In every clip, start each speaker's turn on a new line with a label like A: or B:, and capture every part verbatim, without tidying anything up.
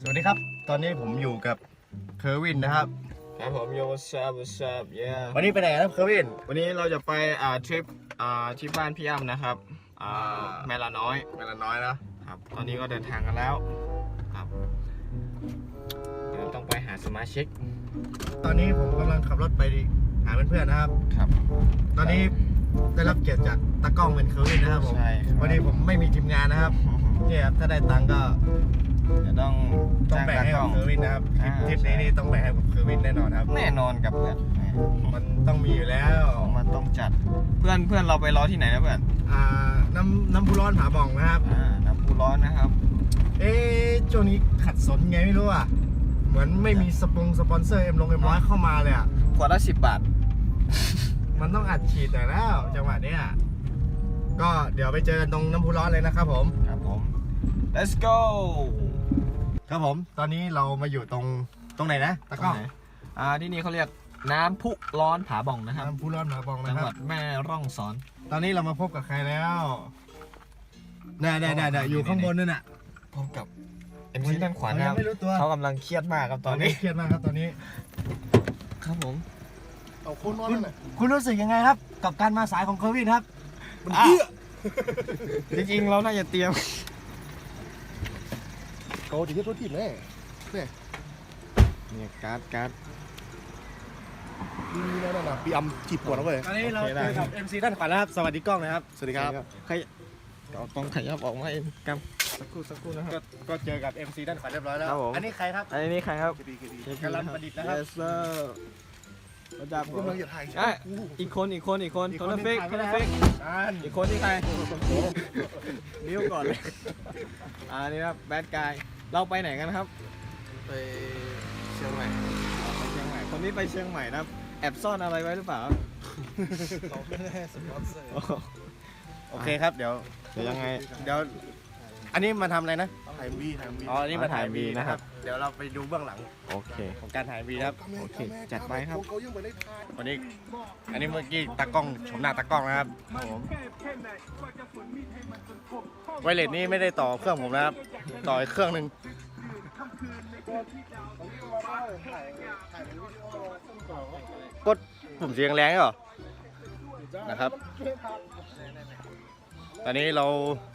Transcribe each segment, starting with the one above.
A: สวัสดีครับตอนนี้ผมอยู่กับเคอร์วินนะครับ
B: ครับผมโยซับซับเย่
A: วันนี้ไปไหนครับเคอร์วิน
B: วันนี้เราจะไปอ่าทริปอ่าที่บ้านพี่อ้ำนะครับอ่าแม่ละน้อย
A: แม่ละน้อยนะครับ
B: ตอนนี้ก็เดินทางกันแล้วครับเดี๋ยวต้องไปหาสมาชิก
A: ตอนนี้ผมกำลังขับรถไปหาเพื่อนๆนะครับ
B: ครับ
A: ตอนนี้ได้รับเกียรติจากตากล้องเป็นเคอร์วินนะครับผมวันนี้ผมไม่มีทีมงานนะครับเนี่ยครับถ้าได้ตังค์ก็
B: จะต้อง
A: ต้องแบ่งให้กับเคอร์วินนะครับทริปนี้นี่ต้องแบ่งให้กับเคอร์วินแน่นอนครับ
B: แน่นอนกับเพื่อน
A: มันต้องมีอยู่แล้ว
B: มันต้องจัดเพื่อนเพื่อนเราไปรอที่ไหนนะเพื่อน
A: อ่าน้ำน้ำพุร้อนผาบ่องนะครับ
B: อ่าน้ำพุร้อนนะครับ
A: เอ๊ะช่วงนี้ขัดสนไงไม่รู้อ่ะเหมือนไม่มีสปงสปอนเซอร์เอ็มลงเอ็มร้อยเข้ามาเลยอ่ะ
B: ขวดละสิบบาท
A: มันต้องอัดฉีดหน่อยแล้วจังหวะเนี้ยก็เดี๋ยวไปเจอกันตรงน้ำพุร้อนเลยนะครับผม
B: ครับผม let's go
A: ครับผมตอนนี้เรามาอยู่ตรงตรงไหนนะตะก้อง
B: อ่าที่นี่เขาเรียกน้ำพุร้อนผาบ่องนะครับ
A: น้ำพุร้อนผาบ่องนะครับ
B: จังหวัดแม่ร่องสอน
A: ตอนนี้เรามาพบกับใครแล้วน่าๆๆอยู่ข้างบนนั่นน่ะ
B: พบกับเอ็มซีด้านขวานะครับเขากำลังเครียดมากครับตอนนี้
A: เครียดมากครับตอนนี้
B: ครับผม
A: เอาคุณคุณรู้สึกยังไงครับกับการมาสายของเคอร์วินครับมันเยอะ
B: จริงๆเราน่าจะเตรียม
A: เขาจะเทียบรถทีมแน่เนี่ย
B: เนี่ยการ์ดการ์ด
A: นี่นั่นน่ะปีอัมจีบปวดแล้วเว้ยตอนนี้เราเจอกับ เอ็ม ซี ด้านขวาแล้วครับสวัสดีกล้องนะครับสวัสดีครับ
B: ใครเอาต้องขยับออกมาเองกันสักครู่สักครู่นะครับ
A: ก็เจอกับ เอ็ม ซี ด้านขวาเรียบร้อยแล้วอันนี้ใครครับ
B: อันนี้ใครครับ
A: กำลังประดิษฐ์นะครับ
B: เราจับ
A: กำลังจะถ่าย
B: อีกคนอีกคนอีกคนคนละเฟกคนละเฟกอีกคนที่ใครบิ้วก่อนเลยอ่านี่ครับแบดกายเราไปไหนกันครับ
A: ไปเชียงใหม่
B: ไปเชียงใหม่คนนี้ไปเชียงใหม่นะครับแอบซ่อนอะไรไว้หรือเปล่า
A: เขาไม่ได้สปอนเซอร์โอเคครับเดี๋ยว
B: เดี๋ยวยังไง
A: เดี๋ยวอันนี้มาทำอะไรนะ
B: ถ่ายบีถ่ายบี
A: อ๋อนี่มาถ่ายบีนะครับเดี๋ยวเราไปดูเบื้องหลัง
B: โอเค
A: ของการถ่ายบีครับ
B: โอเคจัดไปครับ
A: วันนี้อันนี้เมื่อกี้ตากล้องชมหน้าตากล้องนะครับผมไวเลสนี่ไม่ได้ต่อเครื่องผมนะครับต่ออีกเครื่องหนึ่งกดปุ่มเสียงแรงเหรอนะครับตอนนี้เรา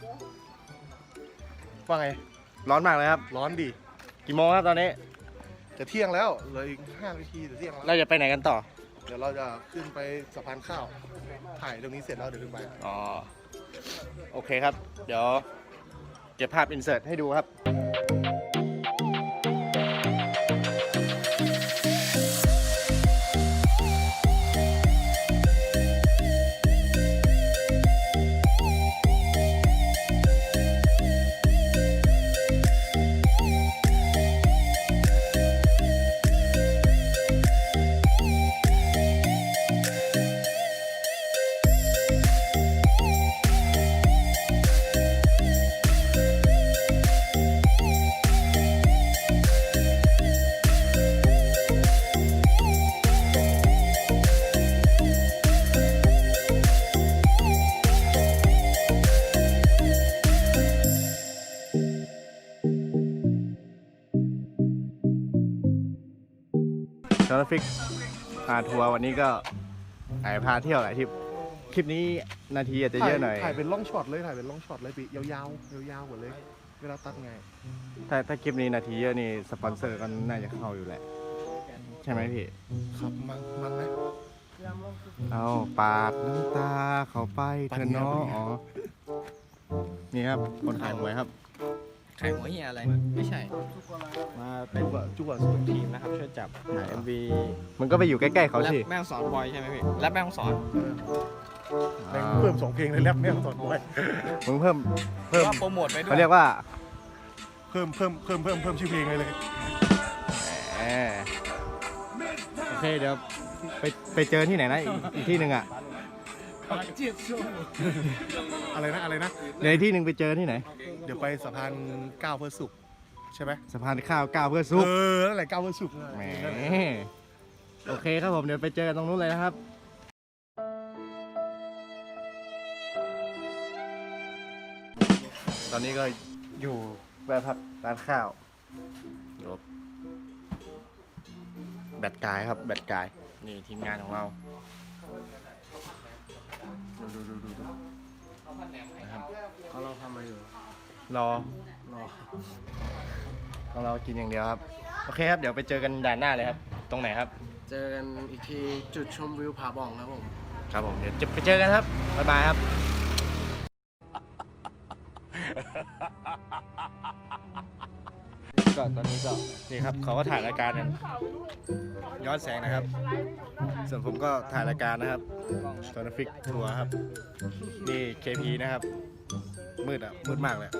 A: ว่าไงร้อนมากเลยครับ
C: ร้อนดิ
A: กี่โมงครับตอนนี้
C: จะเที่ยงแล้วเหลืออีกห้านาทีจะเที่ยงแล้ว
A: เราจะไปไหนกันต่อ
C: เดี๋ยวเราจะขึ้นไปสะพานข้าวถ่ายตรงนี้เสร็จแล้วเดี๋ยวขึ้นไป
A: อ๋อโอเคครับเดี๋ยวเก็บภาพอินเสิร์ตให้ดูครับทราฟิกพาทัวร์วันนี้ก็ไอพาเที่ยวหลายทริปคลิปนี้นาทีอาจจะเยอะหน่อย
C: ถ่ายเป็นล่องช็อตเลยถ่ายเป็นล่องช็อตเลยปียาวๆยาวๆหมดเลยเวลาตัดไง
A: ถ้าถ้าคลิปนี้นาทีเยอะนี่สปอนเซอร์ก็น่าจะเข้าอยู่แหละใช่ไหมพี่
C: ครับมันมันไหม
A: เอาปาดน้ำตาเข้าไปเธอเนาะอ๋อนี่ครับคนขายหวยครับ
B: ขายหัวเหี้ยอะไรไม่ใช่มาเป็นจุ๊กสุดทีมนะครับช่วยจับถ่าย เอ็ม วี
A: มันก็ไปอยู่ใกล้ๆเขาสิ
B: แม่งสอนบอยใช่ไหมพี่แรปแม่งสอน
C: เพิ่มสองเพลงเลยแรปแม่งสอนบอย
A: มึงเพิ่มเพิ่ม
B: โปรโมทไปด้วย
A: เขาเรียกว่า
C: เพิ่มเพิ่มเพิ่มเพิ่มเพิ่มชื่อเพลงเลยเลย
A: โอเคเดี๋ยวไปไปเจอที่ไหนนะอีกที่หนึ่งอ่ะ
C: อะไรนะอะไรนะ
A: เดี๋ยวที่หนึ่งไปเจอที่ไหน
C: เดี๋ยวไปสะพานก้าวเพื่อสุขใช่ไหม
A: สะพานข้าวก้าวเพื่อสุข
C: เออนั่นแหละก้าวเพื่อสุข
A: แหมโอเคครับผมเดี๋ยวไปเจอกันตรงนู้นเลยนะครับตอนนี้ก็อยู่แวะพักร้านข้าวตัวแบดกายครับแบดกายนี่ทีมงานของเราดูดูดูดูดูนะครับ
C: เขาเราทำอะไรอยู่
A: รอ
C: รอ
A: ของเรากินอย่างเดียวครับโอเคครับเดี๋ยวไปเจอกันด่านหน้าเลยครับตรงไหนครับ
C: เจอกันอีกทีจุดชมวิวผาบ่องครับผม
A: ครับผมเดี๋ยวจะไปเจอกันครับบ๊ายบายครับก็ตอนนี้ก็นี่ครับเขาก็ถ่ายรายการกันย้อนแสงนะครับ ส่วนผมก็ถ่ายรายการนะครับโซนฟิกทัวร์ครับนี่ เค พี นะครับมืดอ่ะมืดมากเลย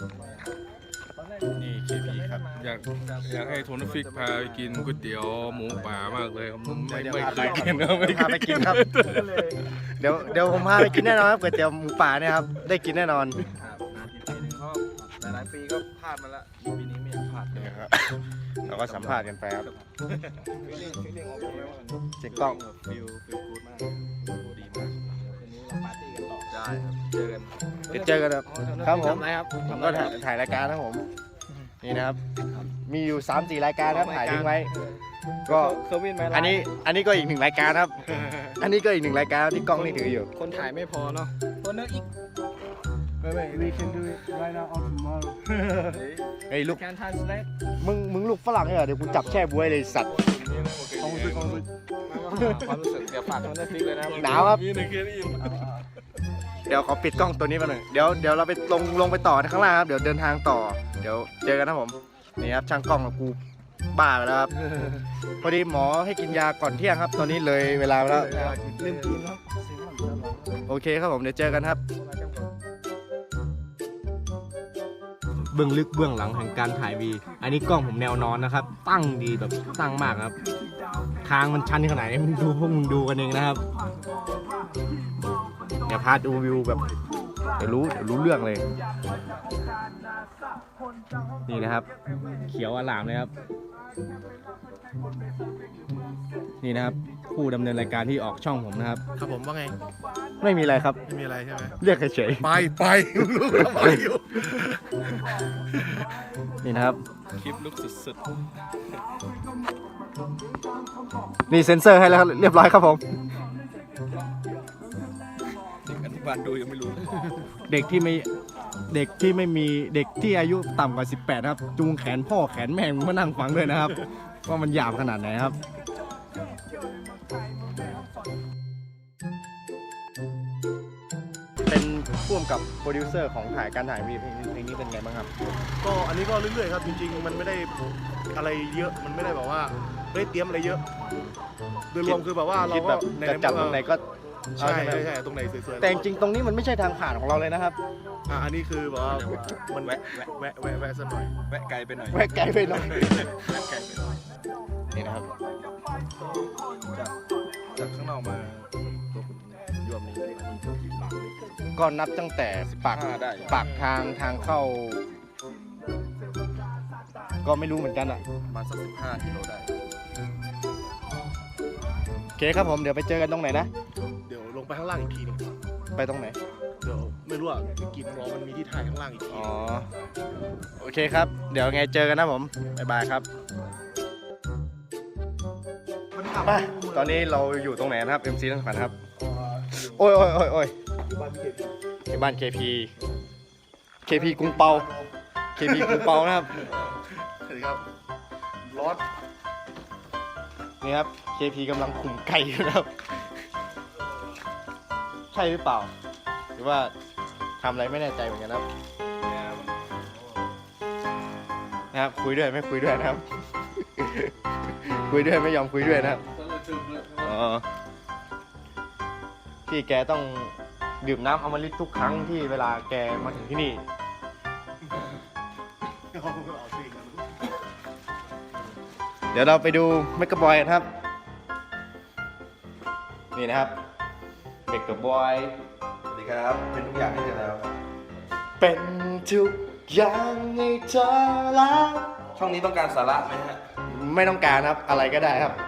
A: นี่ เค พี ครับ
D: อยากอยากให้โทนฟิกพาไปกินก๋วยเตี๋ยวหมูป่ามากเลยครับผมไม่
A: เดี๋ยว
D: ไม่
A: พา
D: เค
A: ไป
D: ยกินครับไม่
A: พาไปกินครับ เดี๋ยวเดี๋ยวผมพาไปกินแน่นอนครับก๋วยเตี๋ยวหมูป่าเนี่ยครับได้กินแน่นอน
B: หลายๆปีก็พลาดมาแล้วปีนี้ไม่อยากพลาดเลย
A: นี่ครับเราก็สัมภาษณ์กันไปครับ
B: ฟีลลิ่งฟีลลิ่งออกมาแล้วมัน
A: เสียงกล้อง
B: ฟิลฟิลกูดมากกูดีมากคืนนี้เราปาร์ตี้กันต่อได้ครับเจอกัน
A: เดี๋ยวเจอกันครับครับผม
B: ทำอะไรครับ
A: ผมก็ถ่ายถ่ายรายการนะครับผมนี่นะครับ มีอยู่สามสี่รายการนะครับถ่ายทิ้งไว้ ก็
B: เคอร์วินไหม
A: อันนี้อันนี้ก็อีกหนึ่งรายการครับ อันนี้ก็อีกหนึ่งรายการที่กล้องนี่ถืออยู่
B: คนถ่ายไม่พอเนาะคนนึกอีก
C: ไม่ไม่ we can do it right now or tomorrow
A: เฮ้ยลูก
B: การทานสแน็ค
A: มึงมึงลูกฝรั่งเหรอเดี๋ยวกูจับแช่บวยเลยสัตว์
C: ความรู้สึกความรู้สึก
B: ความรู้สึกเดี๋ยวฝากคนนึกฟิกเลยนะครับ
A: หนาวครับ
D: นี่ในเคสอิน
A: เดี๋ยวขอปิดกล้องตัวนี้มาหน่อยเดี๋ยวเดี๋ยวเราไปลงลงไปต่อข้างล่างครับเดี๋ยวเดินทางต่อ เดี๋ยวเจอกันนะผมนี่ครับช่างกล้องกับกูบ้าไปแล้วครับ พอดีหมอให้กินยาก่อนเที่ยงครับ ตอนนี้เลยเวลาไปแล้ว
B: ลืมกินครับ
A: โอเคครับผมเดี๋ยวเจอกันครับเบื้องลึกเบื้องหลังแห่งการถ่ายวี อันนี้กล้องผมแนวนอนนะครับ ตั้งดีแบบตั้งมากครับ ทางมันชันขนาดไหนมึงดูพวกมึงดูกันเองนะครับเดี๋ยวพาดูวิวแบบเดี๋ยวรู้เดี๋ยวรู้เรื่องเลย นี่นะครับ เขียวอลามเลยครับ นี่นะครับผู้ดำเนินรายการที่ออกช่องผมนะครับ
C: ครับผมว่าไง
A: ไม่มีอะไรครับ
C: ไม่มีอะไรใช่ไหม
A: เรียกเฉย
C: ไปไปลูกไปอยู่
A: ๆนี่นะครับ
D: คลิปลุกสุด
A: นี่เซ็นเซอร์ให้แล้วครับเรียบร้อยครับผม
D: ๆเด็กอนุบาลดูยังไม่รู้
A: เด็กที่ไม่เด็กที่ไม่มีเด็กที่อายุต่ำกว่าสิบแปดครับ จูงแขนพ่อแขนแม่งมานั่งฟังด้วยนะครับ ว่ามันหยาบขนาดไหนครับ เป็นพ่วงกับโปรดิวเซอร์ของถ่ายการถ่ายวีเพลงนี้เพลงนี้เป็นไงบ้างครับ
C: ก็อันนี้ก็เรื่อยๆครับจริงๆมันไม่ได้อะไรเยอะมันไม่ได้แบบว่าไม่ได้เตรียมอะไรเยอะโดยรวมคือแบบว่าเรา
A: คิด
C: ก็
A: แบบ
C: ใน
A: จะจับตรงไหนก็
C: ใช่
A: เอาไหม
C: ใช่ใช่ตรงไหนสวยๆ
A: แต่จริงๆตรงนี้มันไม่ใช่ทางผ่านของเราเลยนะครับ
C: อ่ะอันนี้คือแบบว่ามันแวะแวะแวะแวะแวะสักหน่อย
D: แวะไกลไปหน่อย
A: แวะไกลไปหน่อย
D: แวะไกลไปหน่อย
A: นี่นะครับ
D: จากจากข้างนอกมาตัวคุณยวมนี้
A: ก็นับตั้งแต่ปาก
D: ห้าได้
A: ปากทางทางเข้า ก็ไม่รู้เหมือนกันอ่ะ
D: ประมาณสักสิบห้ากิโลได้
A: โอเคครับผมเดี๋ยวไปเจอกันตรงไหนนะ
C: เดี๋ยวลงไปข้างล่างอีกทีหนึง
A: ไปตรงไหน
C: เดี๋ยวไม่รู้อ่ะกินรอมันมีที่ถ่ายข้างล่างอีกที
A: อ๋อ โอเคครับ เดี๋ยวไงเจอกันนะผม บ๊ายบายครับไปตอนนี้เราอยู่ตรงไหนนะครับ เอ็ม ซี ทั้งฝันครับ โอ้ยโอ้ยโอ้ยโอ้ยที่บ้าน เค พี เค พี กรุงเปา เค พี กรุงเปานะครับ
C: สวัสดีครับร้อน
A: นี่ครับ เค พี กำลังขุ่มไก่อยู่นะครับ ใช่หรือเปล่า หรือว่าทำอะไรไม่แน่ใจเหมือนกันนะครับ นะครับ คุยด้วยไม่คุยด้วยนะครับ คุยด้วยไม่ยอมคุยด้วยนะครับ อ๋อ พี่แกต้องดื่มน้ำอมฤตทุกครั้งที่เวลาแกมาถึงที่นี่ เดี๋ยวเราไปดูเมกะบอยกันครับ นี่นะครับเมกะบอย
D: สวัสดีครับ เป็นทุกอย่างให้เธอแล้ว
A: เป็นทุกอย่างให้เธอแล้ว
D: ช่องนี้ต้องการสาระไหมฮะ
A: ไม่ต้องการครับอะไรก็ได้ครับ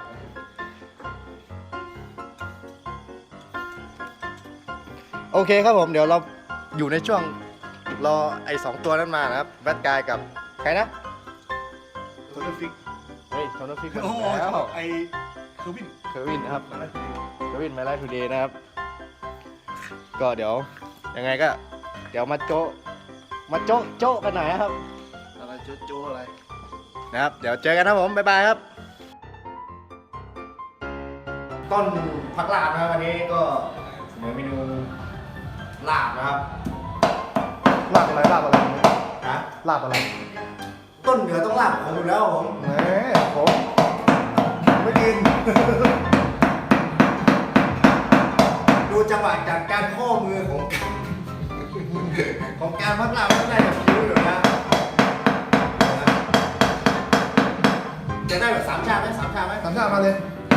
A: โอเคครับผมเดี๋ยวเราอยู่ในช่วงรอไอ้สองตัวนั้นมานะครับแบทกายกับใครนะ
C: ตัวอร์ฟิก
A: เฮ้ยโทนฟิกมา
C: โอ้โห
A: แล้ว
C: ไอเคอร์วิน
A: เควินนะครับเควินมาไลฟ์ทูเดย์นะครับ ก็เดี๋ยวยังไงก็ เดี๋ยวมาโจะมาโจะโจะกันหน่อยนะครับ
D: อะไรโจ๊ะโจ๊ะอะไร
A: นะครับ เดี๋ยวเจอกันนะผม บ๊ายบายครับ ต้นผักลาบนะครับวันนี้ก็เสนอเมนูลาบนะครับ
C: ลาบอะไรลาบอะไร
A: นะ
C: ลาบอะไร
A: ต้นเหนือต้องลาบผมอยู่แล้วผม
C: แหมผมไม่กิน
A: ดูจังหวะจากการข้อมือของ ของการพักลาบก็ได้แบบคิ้วอยู่นะจะได้แบบสามชาติไหมสามชาติไหม
C: สามชาติมาเลย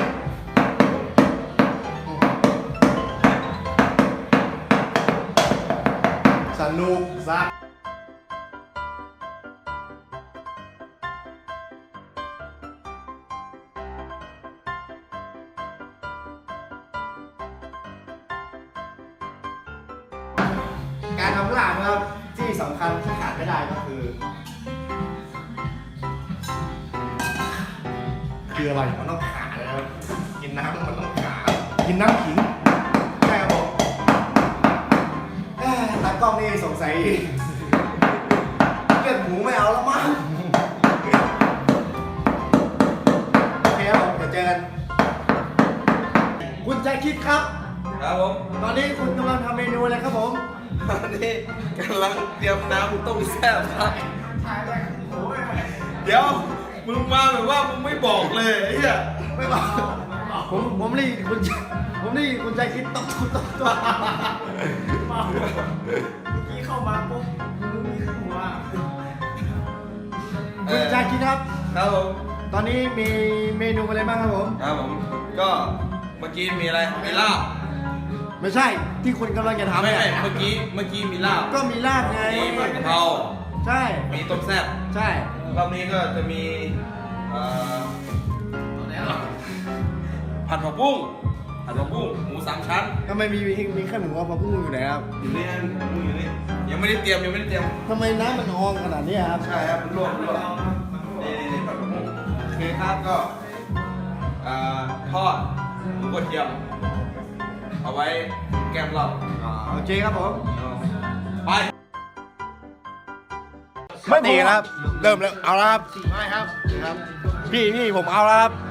C: สนุกซัก
A: การทำลาบนะครับที่สำคัญที่ขาดไม่ได้ก็คือ
C: คืออะไร
A: มันต้องขาเลยนะครับกินน้ำมันต้องขา
C: กินน้ำขิง
A: ใช่ครับผมเอ้ยตากล้องนี่สงสัยเลือดหมูไม่เอาแล้วมั้งโอเคครับผมเดี๋ยวเจอกันคุณใจคิดครับ
D: ครับผม
A: ตอนนี้คุณกำลังทำเมนูอะไรครับผม
D: ตอนนี้กำลังเตรียมน้ำต้มแซ่บครับ เดี๋ยวมึงมาแบบว่ามึงไม่บอกเลยไอ้เหี้ย
A: ไม่บอกผมผมรีบคุณผมรีบคุณใจคิดต้องต้องต้องต้องเมื่อกี้เข้ามาปุ๊บมึงมีหัวคุณใจคิดครับ
D: ครับผม
A: ตอนนี้มีเมนูอะไรบ้างครับผม
D: ครับผมก็เมื่อกี้มีอะไรมีลาบ
A: ไม่ใช่ที่คุณกำลังจะทำ
D: ไม่
A: เนี่ย
D: ไม่เมื่อกี้เมื่อกี้มีลาบ
A: ก็มีลาบไง
D: มีผัดกะเพรา
A: ใช่
D: มีต้มแซ่บ
A: ใช่
D: รอบนี้ก็จะมีเอ่อผัดผักบุ้งผัดผักบุ้งหมูสามชั้น
A: ทำไมมีมีมีแค่หมูกับผักบุ้งอยู่ไหนครับ
D: อยู่นี่นะหมูอยู่นี่ยังไม่ได้เตรียมยังไม่ได้เตรียม
A: ทำไมน้ำมันนองขนาดนี้ครับ
D: ใช่ครับมันลวกลวกนี่นี่นี่ผัดผักบุ้งโอเคครับก็เอ่อทอดหมูกระเทียม เอาไว้แกมเรา
A: อ๋อโอเคครับผม
D: ไป
A: ไม่ตีครับ เริ่มแล้วเอาแล้วครับไม่ครับครับ พี่นี่ผมเอาแล้วครับ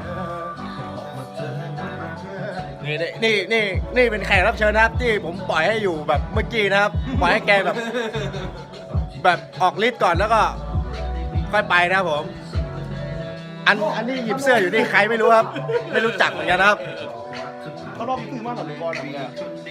A: นี่นี่นี่นี่เป็นแขกรับเชิญนะครับที่ผมปล่อยให้อยู่แบบเมื่อกี้นะครับปล่อยให้แกแบบ แบบออกฤทธิ์ก่อนแล้วก็ค่อยไปนะครับผม อันอันนี้หยิบเสื้ออยู่นี่ใครไม่รู้ครับ ไม่รู้จักเหมือนกันนะครับ
C: เขาลองซื้อมาหน่อยบอลหน่อยเนี่ย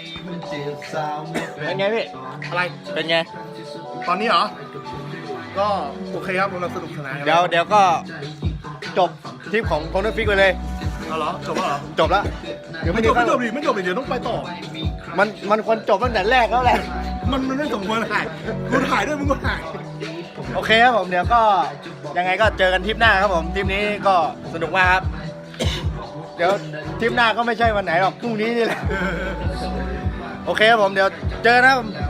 A: เป็นไงพี่
C: อะไร
A: เป็นไง
C: ตอนนี้เหรอ ก็โอเคครับกำลังสนุกสนานกัน
A: เดี๋ยวเดี๋ยวก็จบทริปของคอนเทนต์ฟิกไปเลย
C: เอาเหรอจบแล้วเหรอ
A: จบแล้วเดี๋ยว
C: ไม่
A: ไม่
C: จ
A: ถึ
C: บ
A: ง
C: ไม่จบดิไม่จบดิเดี๋ยวต้องไปต่อ
A: มันมันควรจบตั้งแต่แรกแล้วแหละ
C: มันมันไม่สมควรถ่ายกูถ่ายด้วยมึงก็ถ่าย
A: โอเคครับผมเดี๋ยวก็ยังไงก็เจอกันทริปหน้าครับผมทริปนี้ก็สนุกมากครับ เดี๋ยวทริปหน้าก็ไม่ใช่วันไหนหรอกพรุ่งนี้นี่แหละโอเคครับผมเดี๋ยวเจอกันนะครับ